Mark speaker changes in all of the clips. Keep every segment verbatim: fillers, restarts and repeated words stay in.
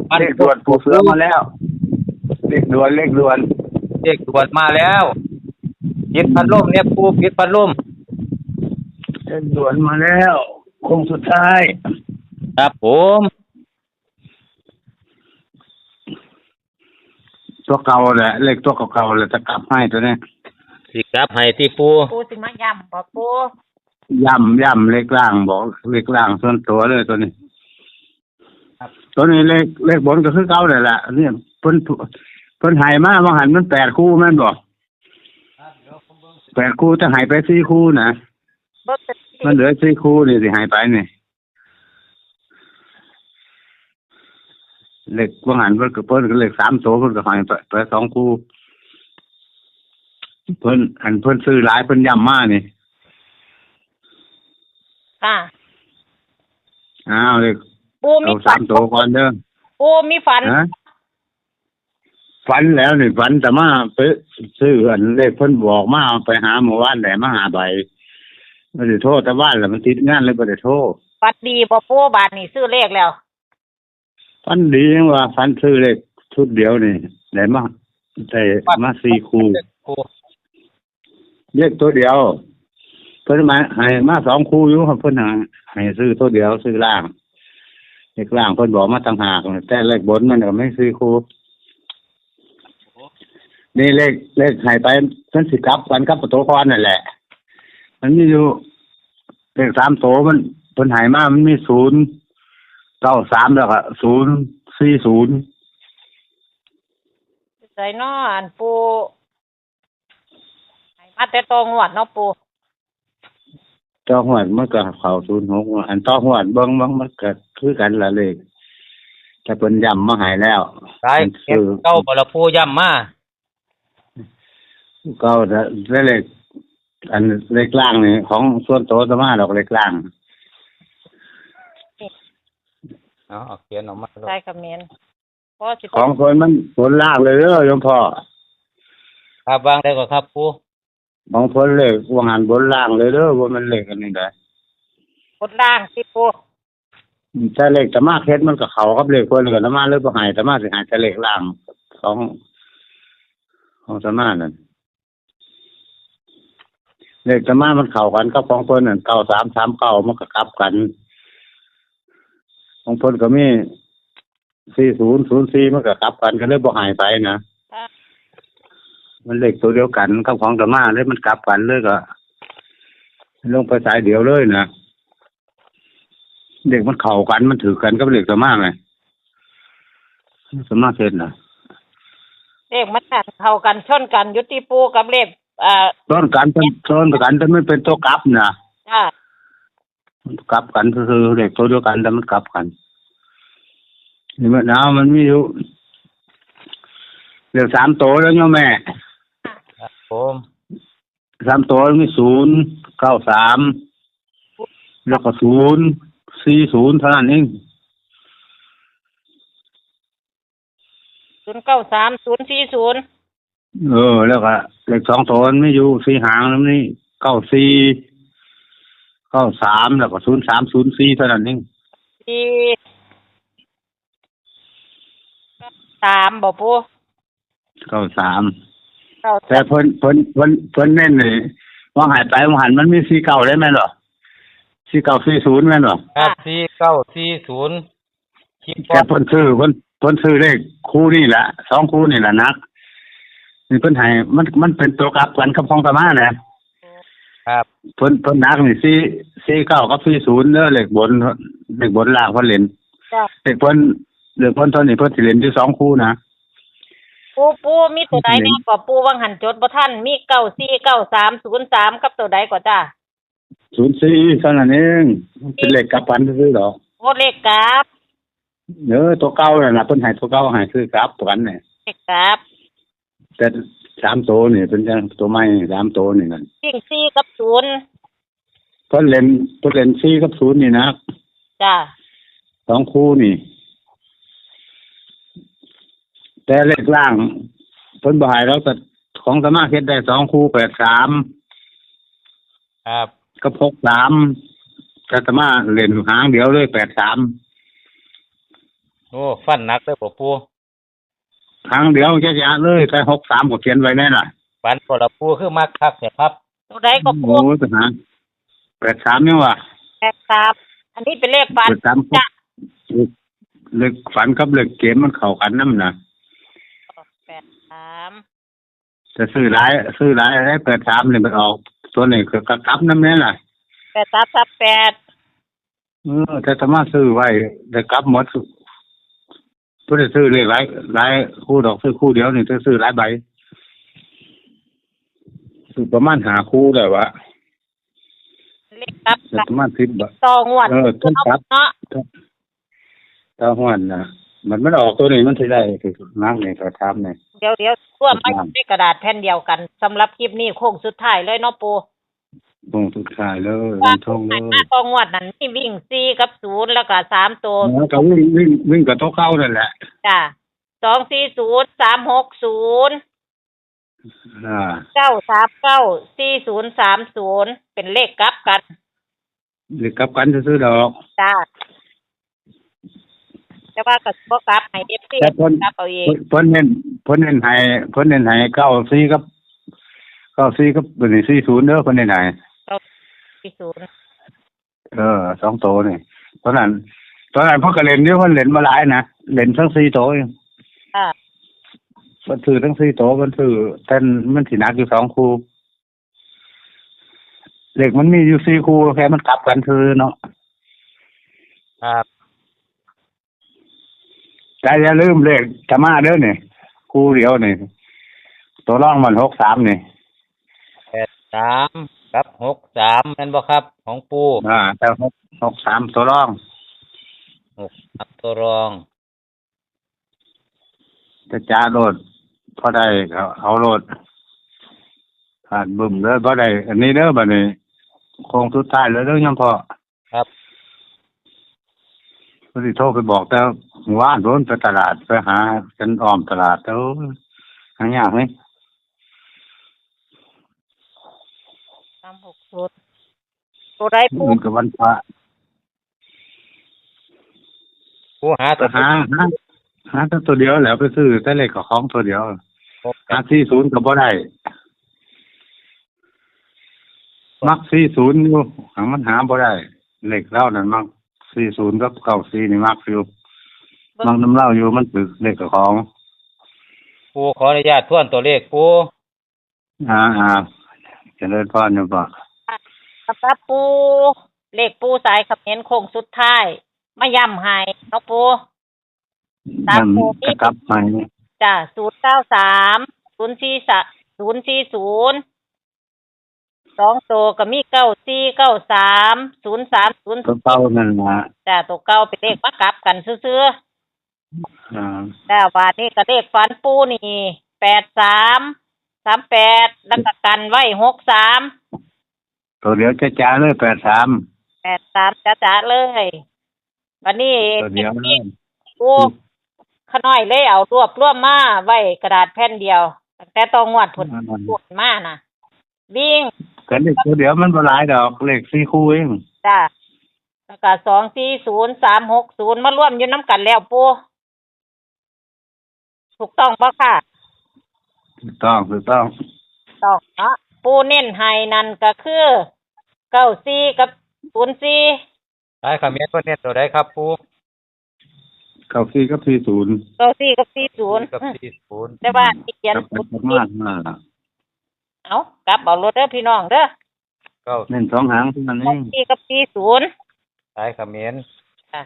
Speaker 1: เลขด่วนปูเสือมาแล้วเลขด่วนเลขด่วน
Speaker 2: เลขด่วนมาแล้วปิดพัดลมเนี่ยปูปิดพัดลม
Speaker 1: เลขด่วนมาแล้วโค้งสุดท้าย
Speaker 2: ครับผม
Speaker 1: ตัวเก่าแหละเลขตัวเก่าๆเลยจะกลับให้ตัวนี้
Speaker 2: สิกลับให้ที่ปู
Speaker 3: ปูสิมาย่ำบ่ปู
Speaker 1: ย่ำย่ำเลขล่างบอกเลขล่างส่วนตัวเลยตัวนี้ตัวนี้เลขเลขบนก็คือเก่าเลยแหละเนี่ยเพิ่นเพิ่นหายมาว่าหันมันแปดคู่แม่นบอกแปดคู่จะหายไปสี่คู่นะมันเหลือสี่คู่นี่สิหายไปนี่เลขว่าหันเพิ่นก็เพิ่นก็เลขสามตัวเพิ่นก็หายไปไปสองคู่เพิ่นอันเพิ่นซื้อหลายเพิ่นย่ำมานี่
Speaker 3: ค่ะ
Speaker 1: อ้าวเลข
Speaker 3: ปูมี
Speaker 1: สามตัวก่อนเด้อ
Speaker 3: ปูมีฝัน
Speaker 1: ฝันแล้วนี่ฝันแต่มาไปซื้ออันเลขเพิ่นบอกมาไปหาหมู่บ้านไหนมาหาใบไม่ได้โทษแต่บ้านแหละมันติดงานเลยไม่ได้โทษ
Speaker 3: ฝันดีบ่ปูบาทนี่ซื้อเลขแล้ว
Speaker 1: ฝันดีว่าฝันซื้อเลขชุดเดียวนี่ได้มาได้มาสี่คู่เลขตัวเดียวเพิ่นมาให้มาสองคู่อยู่ครับเพิ่นให้ซื้อตัวเดียวซื้อล่างเลขล่างเพิ่นบอกมาต่างหากแต่เลขบนมันก็ไม่ซื้อคู่นี่เลขเลขหายไปเพิ่นสิกลับกันกับประตูคอนนั่นแหละมันมีอยู่เลขสามโตมันเพิ่นหายมามันมีศูนย์เก้าสามแล้วก็ศูนย์สี่ศูนย์
Speaker 3: ใส่น้ออันปูให้มาแต่ตองวดเนาะปู
Speaker 1: ต่อหวดมันก็เข้าศูนย์หกอันต่อหวดเบิ่งมันมันก็คือกันละเลขแต่เพิ่นย้ำมาให้แล้ว
Speaker 2: ใช่เก้าบ่ละปูย้ำมา
Speaker 1: เก้าแต่เลขอันเลขล่างนี่ของส่วนโตสมาดอกเลขล่าง
Speaker 2: อ๋อเขียนออกมา
Speaker 3: ใช่คอมเมนต์พอสิ
Speaker 1: ของคนมันผลล่างเลยเด้อโยมพ่อ
Speaker 2: ครับวางได้ก็ครับปู
Speaker 1: ของผลเลขวางหันบนล่างเลยเด้อว่ามันเลขอันนี้ได้
Speaker 3: บนล่างสิปู
Speaker 1: แต่เลขตะมาเฮ็ดมันก็เข้ากับเลขเพิ่นก็ตะมาเลยบ่หายตะมาสิหายแต่เลขล่างของของตะมานั่นเลขตะมามันเข้ากันกับของเพิ่นนั่นเก้าสามสามเก้ามันก็กลับกันของเพิ่นก็มีสี่ศูนย์ศูนย์สี่มันก็กลับกันก็เลยบ่หายไปนะมันเลขตัวเดียวกันกับของตะมาเลยมันกลับกันเลยก็ลงไปสายเดียวเลยนะเด็กมันเข้ากันมันถือกันกับเลขตะมาไงตะมาเฮ็ดน่ะ
Speaker 3: เลขมันเข้ากันชนกันอยู่ที่ปูกับเลขอ่า
Speaker 1: ชนกันเป็นชนกันแต่ไม่เป็นตัวกลับนะ
Speaker 3: จ้ะ
Speaker 1: มันกลับกันคือเลขตัวเดียวกันแต่มันกลับกันนี่มันเอามันมีอยู่เลขสามตัวแล้วโยมแม่
Speaker 2: ครับผม
Speaker 1: สามตัวมีศูนย์เก้าสามแล้วก็ศูนย์สี่ศูนย์เท่านั้นเอง
Speaker 3: ศูนย์เก้าสามศูนย์สี่ศูนย์
Speaker 1: เออแล้วก็เลขสองตัวไม่อยู่สี่หางแล้วนี่เก้าสี่เก้าสามแล้วก็ศูนย์สามศูนย์สี่เท่านั้นเอง
Speaker 3: สี่สามบ่ปู
Speaker 1: เก้าสามแต่เพิ่นเพิ่นเพิ่นเพิ่นเน้นเลยว่าหายไปว่าหันมันมีสี่เก้าได้ไหมหรอสี่เก้าสี่ศูนย์แม่นบ่
Speaker 2: ครับสี่เก้าสี่ศูนย์
Speaker 1: แต่เพิ่นซื้อเพิ่นเพิ่นซื้อเลขคู่นี่แหละสองคู่นี่แหละนักนี่เพิ่นให้มันมันเป็นตัวกลับกันกับของตะมานะครับเพิ่นเพิ่นนักนี่สี่สี่เก้ากับสี่ศูนย์เด้อเลขบนเลขบนล่างเพิ่นเล่นเลขเพิ่นเลขเพิ่นเท่านี้เพิ่นสิเล่นอยู่สองคู่นะ
Speaker 3: ปูปูมีตัวใดเนี่ยก็ปูวังหันจดบ่ทันมีเก้าสี่เก้าสามศูนย์สามกับตัวใดก็จ้า
Speaker 1: ศูนย์สี่เท่านั้นเองเป็นเลขกลับกันซื่อๆดอก
Speaker 3: โอ้เลขกลับ
Speaker 1: เออตัวเก่าน่ะนะเพิ่นให้ตัวเก่าให้คือกลับกันนี่
Speaker 3: เลขกลับ
Speaker 1: แต่สามตัวนี่เป็นจังตัวใหม่สามตัวนี่นั่น
Speaker 3: วิ่งสี่กับศูนย์
Speaker 1: เพิ่นเล่นเพิ่นเล่นสี่กับศูนย์นี่นะ
Speaker 3: จ้า
Speaker 1: สองคู่นี่แต่เลขล่างเพิ่นบ่ให้เราแต่ของสมาเฮ็ดได้สองคู่แปดสาม
Speaker 2: ครับ
Speaker 1: กับหกสามแต่สมาเล่นหางเดียวเลยแปดสาม
Speaker 2: โอ้ฟันหนักเลยบ่ปู
Speaker 1: ครั้งเดียวจะจะเลยแต่หกสามก็เขียนไว้แน่น่ะ
Speaker 2: ฟันบ่ละปูคือมักคักเนี่ยครับ
Speaker 3: ตัวใดก็ปู
Speaker 1: โอ้ทหารแปดสามนี่ว่ะ
Speaker 3: แปดสามอันนี้เป็นเลขฝัน
Speaker 1: แปดสาม
Speaker 3: จ้ะ
Speaker 1: เล็กฝันกับเล็กเกมมันเข้ากันนำน่ะ
Speaker 3: แปดสาม
Speaker 1: จะซื้อหลายซื้อหลายได้แปดสามนี่มันออกตัวนี้คือกระกับนำแน่น่ะ
Speaker 3: แปดสามสับแปด
Speaker 1: เออแต่ถ้ามาซื้อไว้ได้กลับหมดเพิ่นได้ซื้อเลขหลายหลายคู่ดอกซื้อคู่เดียวนี่จะซื้อหลายใบซื้อประมาณห้าคู่ได้วะ
Speaker 3: เลขครับ
Speaker 1: แต่ประมาณสิบใบ
Speaker 3: ต่องวด
Speaker 1: เออต้นครับ
Speaker 3: เนาะ
Speaker 1: ถ้าฮ้อนน่ะมันมันออกตัวนี้มันสิได้คือนักนี่ก็ทำนี่
Speaker 3: เดี๋ยวเดี๋ยวร่วมไม่ในกระดาษแผ่นเดียวกันสำหรับคลิปนี้โค้งสุดท้ายเลยเนาะปู
Speaker 1: ตรงทุกขายเลย
Speaker 3: ว่า
Speaker 1: ทงเล
Speaker 3: หน้าย ต่องวดนั้นมีวิ่งสี่กับศูนย์แล้วก็สามตัว
Speaker 1: แล้วก็วิ่งวิ่งวิ่งกับโต๊ะเข้านั่นแหละ
Speaker 3: จ้ะสองสี่ศูนย์สามหกศูนย์
Speaker 1: อ่า
Speaker 3: เก้าสามเก้าสี่ศูนย์สามศูนย์เป็นเลขกลับกัน
Speaker 1: หรือกับกันซื้อๆดอก
Speaker 3: จ้าแต่ว่าก็บ่กลับให้เอฟซี
Speaker 1: แต่เพิ่น
Speaker 3: กลับเอาเอง
Speaker 1: เพิ่นเน้นเพิ่นเน้นให้เพิ่นเน้นให้เก้าสี่กับเก้าสี่กับเป็นสี่ศูนย์เด้อเพิ่นเน้นให้
Speaker 3: สี่ศูนย์
Speaker 1: เออสองโตนี่ตอนนั้นตอนนั้นเพิ่นก็เล่นอยู่เพิ่นเล่นมาหลายนะเล่นทั้งสี่โตเอง
Speaker 3: อ่า
Speaker 1: เพิ่นซื้อทั้งสี่โตเพิ่นซื้อแต่มันสิหนักอยู่สองคู่เลขมันมีอยู่สี่คู่แค่มันกลับกันคือเนาะ
Speaker 2: ครับ
Speaker 1: แต่อย่าลืมเลขจะมาเด้อนี่คู่เดียวนี่ตัวร่องมันหกสามนี่
Speaker 2: แปดสามกับหกสามแม่นบ่ครับ ของปู
Speaker 1: อ่าแต่หกหกสามตัวร่อง
Speaker 2: หกครับตัวรอง
Speaker 1: จะจ้าโลดพอได้เขาเอาโลดผ่านบึ้มเด้อพอได้อันนี้เด้อบัดนี้โคงสุดท้ายเลยเด้อยมพ่อ
Speaker 2: ครับ
Speaker 1: พอดีโทรไปบอกแต่ว่านโดนไปตลาดไปหาฉันอ้อมตลาดแล้วหายากไหม
Speaker 3: สามหกศูนย์ตัวใดปู
Speaker 1: มันกับวันพระ
Speaker 2: ปูหา
Speaker 1: ไป
Speaker 2: ตัว
Speaker 1: หาหาหาแต่ตัวเดียวแหล้วไปซื้อแต่เลขกับของตัวเดียว
Speaker 2: หก
Speaker 1: หาสี่ศูนย์ก็บ่ได้มักสี่ศูนย์อยู่หามันหาบ่ได้เลขเล่านั่นมักสี่ศูนย์กับเก้าสี่นี่มักอยู่มักน้ำเล่าอยู่มันตึกเลขกับของ
Speaker 2: ปูขออนุญาตทวนตัวเลขปู
Speaker 1: อ่าอ่าเจริญพรอยู่บ่
Speaker 3: สำหรับปูเลขปูสายเขมิ้นโค้งสุดท้ายมาย้ำให้เนาะปู ตาม
Speaker 1: นั่น
Speaker 3: โพธิ
Speaker 1: จะกลับมา
Speaker 3: จ้ะศูนย์เก้าสามศูนย์สี่สศูนย์สี่ศูนย์สองตัวก็มีเก้าสี่เก้าสามศูนย์สามศูนย์
Speaker 1: ตัวเป้านั่นล่ะ
Speaker 3: จ้ะตัวเก้าเป็นเลขมากลับกันซื่อ
Speaker 1: อ่า
Speaker 3: ๆแต่ว่านี่ก็เลขฟันปูนี่แปดสามสามแปดแล้วก็กันไว้หกสาม
Speaker 1: ตัวเดียวจะจ้าเลยแปดสาม
Speaker 3: แปดสามจ้าๆเลยวันนี้
Speaker 1: ตัวเดียวเลย
Speaker 3: ปูขน้อยเลยเอารวบรวมมาไว้กระดาษแผ่นเดียวตั้งแต่ตองงวดผลปวดมาน่ะ วิ่ง
Speaker 1: กันเลขตัวเดียวมันบ่หลายดอกเลขสี่คู่เอง
Speaker 3: จ้าแล้วก็สองสี่ศูนย์สามหกศูนย์มาร่วมอยู่น้ำกันแล้วปูถูกต้องปะค่ะ
Speaker 1: ถูกต้องถูกต้อง
Speaker 3: ต้องเนาะปูเน้นให้นั่นก็คือเก้าสี่กับศูนย์สี่
Speaker 2: ได้คำเมียนเพิ่นเน้นตัวใดครับปู
Speaker 1: เก้าสี่กับสี่ศูนย์
Speaker 3: เก้าสี่กับสี่ศูนย์
Speaker 2: กับสี่ศูนย์
Speaker 3: แต่ว่าที่เขียน
Speaker 1: กับ
Speaker 3: ศูนย์
Speaker 1: ประ
Speaker 3: สี่
Speaker 1: มาณมา
Speaker 3: เอากลับเอารถเด้อพี่น้องเด้อ
Speaker 2: เก้า
Speaker 1: เน้นสองหางเท่านั้นเอ
Speaker 3: เก้าง สี่กับสี่ศูนย์
Speaker 2: ได้คำเมียน
Speaker 3: อ่ะ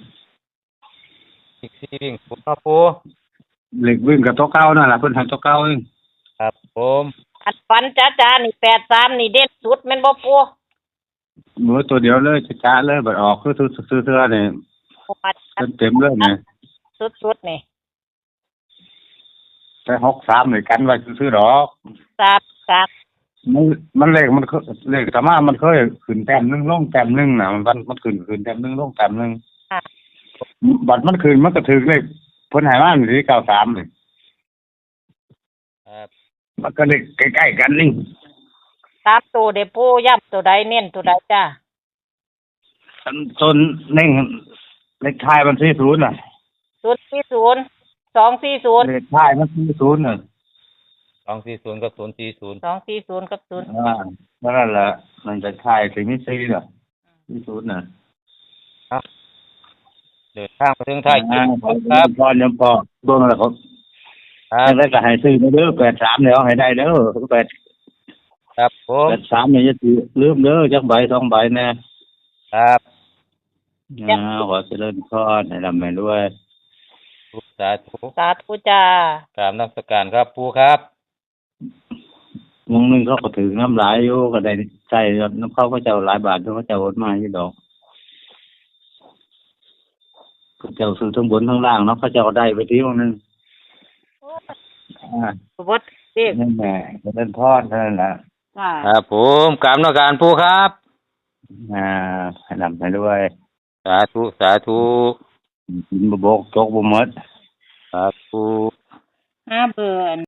Speaker 2: อีกสี่วิ่งปูเนาะปู
Speaker 1: เลขวิ่งกับตัวเก้านั่นล่ะเพิ่นให้ตัวเก้าเอง
Speaker 2: ครับผม
Speaker 3: อันฟันจ้าจ้านี่แปดสามนี่เด่นสุดแม่นบ่ปู
Speaker 1: มือตัวเดียวเลยจะจ้าเลยบัดออกคือซื้อๆเสื้อนี่
Speaker 3: ปูมา
Speaker 1: เต็มๆเลยนี่
Speaker 3: สุดสุดๆนี่
Speaker 1: แต่หกสามนี่กันไว้ซื้อๆดอก
Speaker 3: สามสาม
Speaker 1: มันมันเลขมันเคยเลขธรรมะมันเคยขึ้นแต้มหนึงลงแต้มหนึงน่ะมันมันขึ้นขึ้นแต้มหนึงลงแต้มหนึง
Speaker 3: ค่ะ
Speaker 1: บัดมันขึ้นมันก็ถึกเลขเพิ่นให้มาอยู่ที่เก้าสามนี่
Speaker 2: ครับ
Speaker 1: มันก็เลขใกล้ๆกันนี่
Speaker 3: สามตัวเด้ปูย้ำตัวใดเน้นตัวใดจ้า
Speaker 1: ต้นเน่งเลขท้ายมันสี่ศูนย์น่ะ
Speaker 3: ศูนย์สี่ศูนย์สองสี่ศูนย์
Speaker 1: เลขท้ายมันสี่ศูนย์น่ะ
Speaker 2: สองสี่ศูนย์กับศูนย์สี่ศูนย์
Speaker 3: สองสี่ศูนย์กับศูนย์
Speaker 1: อ่านั่นแหละมันจะท้ายสิมีสี่น่ะสี่ศูนย์น่ะ
Speaker 2: เดินทางมาถึงท้ายคลิ
Speaker 1: อ่า
Speaker 2: ป
Speaker 1: ขอ
Speaker 2: ครับ
Speaker 1: พรยังพอเบิ่งแล้วครับ
Speaker 2: ครับ
Speaker 1: แล้วก็ให้ซื้อเด้อแปดสามแล้วให้ได้เด้อแปด
Speaker 2: ครับผม
Speaker 1: แปดสามเนี่ยจะถือลืมเด้อจักใบสองใบแน่
Speaker 2: ครับ
Speaker 1: อ่าขอเจริญพรให้ร่ำให้รวย
Speaker 2: สาธุ
Speaker 3: สาธุจ้าก
Speaker 2: ราบนมัสการครับปูครับ
Speaker 1: วงหนึงเขาก็ถือน้ำหลายอยู่ก็ได้ใช้น้ำเข้าก็เจ้าหลายบาทเขาเจ้าโอนมาอยู่ดอกเขาเจ้าซื้อทั้งบนทั้งล่างเนาะเขาเจ้าได้ไปทีวงหนึงอ่า
Speaker 3: บดเด็ก
Speaker 1: นั่นแหละเจริญพรเท่านั้นแหละ
Speaker 3: จ้า
Speaker 2: ครับผมกราบนมัสการปูครับ
Speaker 1: อ่าให้ร่ำให้รวย
Speaker 2: สาธุสาธุ
Speaker 1: กินบ่บกจกบ่หมด
Speaker 2: ครับปู
Speaker 3: ห้าเบิร์น